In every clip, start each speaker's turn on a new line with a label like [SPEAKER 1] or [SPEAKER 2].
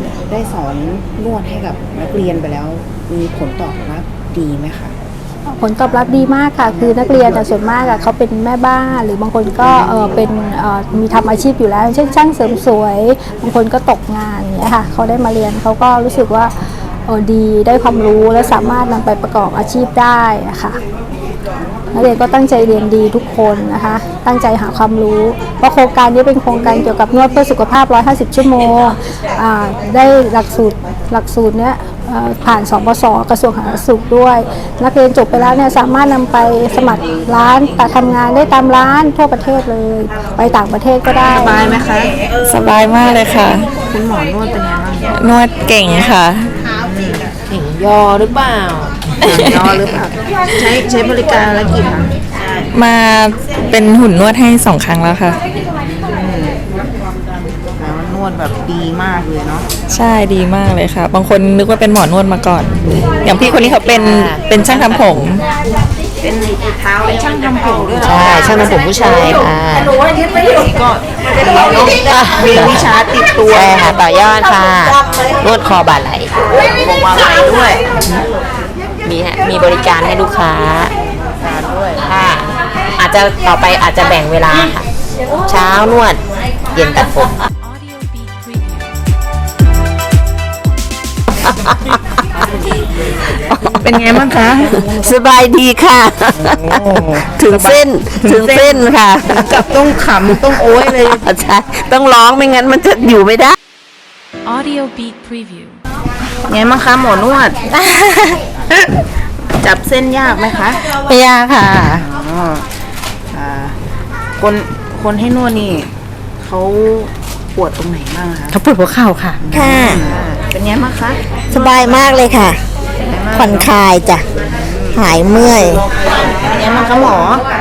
[SPEAKER 1] ได้สอนนวดให้กับนักเรียนไปแล้วมีผลตอบรับดีไหมคะ
[SPEAKER 2] ผลตอบรับดีมากค่ะคือนักเรียนส่วนมากเขาเป็นแม่บ้านหรือบางคนก็เป็นมีทำอาชีพอยู่แล้วเช่นช่างเสริมสวยบางคนก็ตกงานอย่างเงี้ยค่ะเขาได้มาเรียนเขาก็รู้สึกว่าดีได้ความรู้และสามารถนำไปประกอบอาชีพได้นะคะนักเรียนก็ตั้งใจเรียนดีทุกคนนะคะตั้งใจหาความรู้เพราะโครงการนี้เป็นโครงการเกี่ยวกับนวดเพื่อสุขภาพ150ชั่วโมงได้หลักสูตรเนี้ยผ่านสปส.กระทรวงสาธารณสุขด้วยนักเรียนจบไปแล้วเนี่ยสามารถนำไปสมัครร้านทำงานได้ตามร้านทั่วประเทศเลยไปต่างประเทศก็ได้
[SPEAKER 1] สบายไหมคะ
[SPEAKER 3] สบายมากเลยค่ะ
[SPEAKER 1] คุณหมอนวดเป็นยังไงบ้าง
[SPEAKER 3] นวดเก่งค่ะ
[SPEAKER 1] เก่งยอหรือเปล่ายอหรือเปล่าใช้บริการแล้วกี่ครั้ง
[SPEAKER 3] มาเป็นหุ่นนวดให้2 ครั้งแล้วค่ะ
[SPEAKER 1] นวดแบบดีมากเลยเนาะ
[SPEAKER 3] ใช่ดีมากเลยค่ะบางคนนึกว่าเป็นหมอนวดมาก่อนอย่างพี่คนนี้เขาเป็นช่างทำผม
[SPEAKER 1] เป็นเท้าเป็นช่างทำผมด้วย
[SPEAKER 4] ใช่ช่างทำผมผู้ชายค่ะ
[SPEAKER 1] ก็มีวิชาติดตัว
[SPEAKER 4] ใช่ค่ะต่อยอดค่ะนวดคอบ่าไหล่
[SPEAKER 1] บอกว่าไหลด้วย
[SPEAKER 4] มีบริการให้ลูกค้า
[SPEAKER 1] ด้วย
[SPEAKER 4] ค่ะอาจจะต่อไปอาจจะแบ่งเวลาค่ะเช้านวดเย็นตัดผม
[SPEAKER 1] เป็นไงบ้างคะ
[SPEAKER 4] สบายดีค่ะถึงเส้นค่ะ
[SPEAKER 1] กับต้องขำต้องโอ้ยเลย
[SPEAKER 4] ใช่ต้องร้องไม่งั้นมันจะอยู่ไม่ได้
[SPEAKER 5] Audio Beat Preview
[SPEAKER 1] ไงบ้างคะหมอนวดจับเส้นยากไหมคะ
[SPEAKER 4] ไม่ยากค่ะ
[SPEAKER 1] คนให้นวดนี่เขาปวดตรงไหนบ้างคะ
[SPEAKER 4] เขาปวดหัวเข่าค่ะค่ะ
[SPEAKER 1] เป็นไงบ้างคะ
[SPEAKER 4] สบายมากเลยค่ะผ่อนคลายจ้ะหายเมื่อย
[SPEAKER 1] เป็นไงบ้างคะหมอ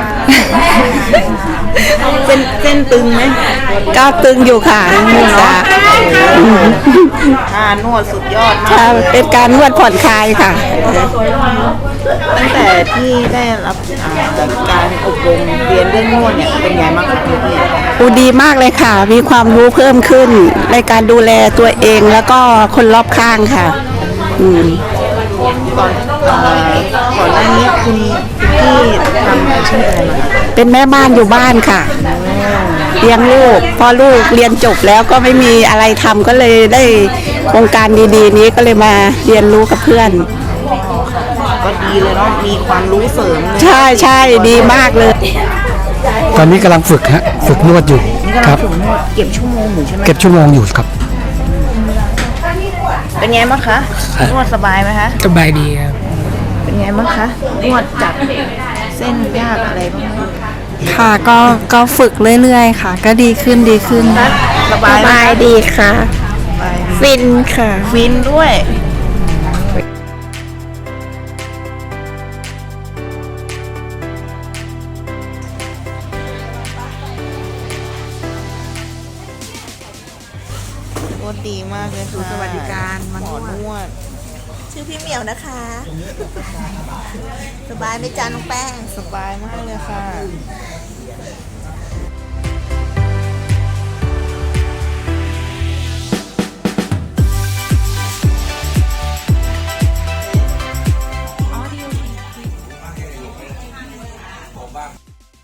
[SPEAKER 1] เส้นตึงไหม
[SPEAKER 4] ก็ตึงอยู่ค่ะ
[SPEAKER 1] นวดสุดยอดมาก
[SPEAKER 4] เป็นการนวดผ่อนคลายค่ะ
[SPEAKER 1] ตั้งแต่ที่ได้รับการอบรมเรียนเรื่องนวดเนี่ยเป็นไงบ้างคะ
[SPEAKER 4] พี่ดีมากเลยค่ะมีความรู้เพิ่มขึ้นในการดูแลตัวเองแล้วก็คนรอบข้างค่ะ
[SPEAKER 1] ก่อนหน้านี้คุณพี่ทำอาชีพอะไรมา
[SPEAKER 4] เป็นแม่บ้านอยู่บ้านค่ะเลี้ยงลูกพอลูกเรียนจบแล้วก็ไม่มีอะไรทำก็เลยได้โครงการดีๆนี้ก็เลยมาเรียนรู้กับเพื่อน
[SPEAKER 1] ก็ดีเลยเนาะมีความรู้เสริม
[SPEAKER 4] ใช่ดีมากเลย
[SPEAKER 6] ตอนนี้กำลังฝึกนวดอยู่ครับ
[SPEAKER 1] เก็บชั่วโมงอยู่ใช่ไหม
[SPEAKER 6] เก็บชั่วโมงอยู่ครับ
[SPEAKER 1] เป็นไงบ้างคะนวดสบายไหมคะ
[SPEAKER 6] สบายดีครับ
[SPEAKER 1] เป็นไงบ้างคะนวดจับเส้นยากอะไรบ้าง
[SPEAKER 3] ค่ะก็ฝึกเรื่อยๆค่ะก็ดีขึ้น
[SPEAKER 1] สบาย
[SPEAKER 3] ดีค่ะฟินค่ะ
[SPEAKER 1] ฟินด้วยนวดดีมากเลยค่ะ
[SPEAKER 3] สวัสดิการ
[SPEAKER 1] หมอนวด
[SPEAKER 7] ชื่อพี่เหมียวนะคะ สบายไหมจ๊ะน้องแป้ง
[SPEAKER 1] สบายมากเลยค่ะ
[SPEAKER 5] Audio Beat Preview